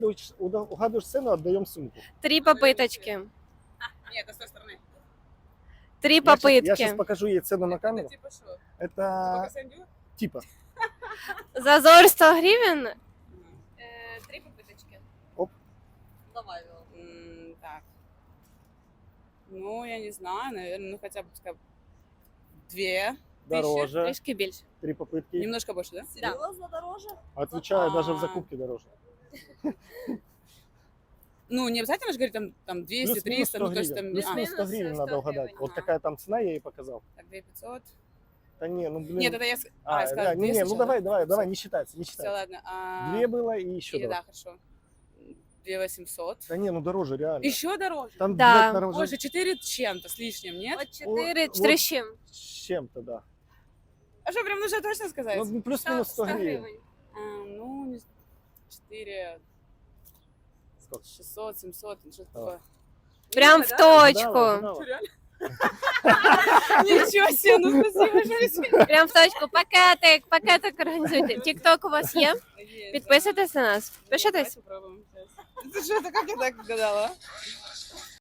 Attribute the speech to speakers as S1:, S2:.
S1: Угадываешь цену, отдаем сумку.
S2: 3 попыточки.
S3: Нет, это с той стороны.
S2: 3
S1: Я сейчас
S2: попытки.
S1: покажу ей цену на камеру.
S3: Типа что?
S1: Это
S3: Сандю?
S1: типа.
S2: Зазор 100 гривен. 3 попыточки.
S3: Давай. Так. Ну, я не знаю, наверное, ну хотя бы пускай 2.
S1: Дороже.
S2: Трішки більше.
S1: 3 попытки.
S3: Немножко больше, да?
S4: Серьезно дороже?
S1: Отвечаю, даже в закупке дороже.
S3: Ну, не обязательно же говорить там 200,
S1: Плюс-минус
S3: 300,
S1: 100
S3: ну то есть там...
S1: гривен. Плюс-минус 100 гривен надо
S2: 100
S1: угадать.
S2: гривен.
S1: Вот
S3: Ага.
S1: какая там цена, я ей показал.
S3: Так, 2500.
S1: Да не, ну блин.
S3: Нет, это я...
S1: А,
S3: я
S1: да,
S3: сказала
S1: не,
S3: 200
S1: ну
S3: сначала,
S1: давай, не считается, не
S3: Все,
S1: считается.
S3: ладно.
S1: 2 было и еще
S3: Или,
S1: два.
S3: да, хорошо. 2800.
S1: Да не, ну дороже, реально.
S3: Еще дороже?
S1: Там,
S2: Да.
S1: блядь, дороже
S3: Боже, 4 чем-то с лишним, нет?
S2: От 4,
S1: Вот.
S2: 4 з чим?
S1: с чем-то, да.
S3: А что, прям нужно точно сказать?
S1: Ну, плюс-минус 100 гривен.
S3: Ну, не 4,
S1: Сколько?
S3: 600, 700, ну, что-то
S1: Давай.
S3: такое.
S2: Прям в
S1: Угадала,
S2: точку.
S1: угадала.
S3: Реально? Ничего себе, ну спасибо, что
S2: Прям в точку. Пакетик організуйте. Тікток у вас є? Підписуйтесь на нас. Пишитесь.
S3: Ты что, это как я так угадала?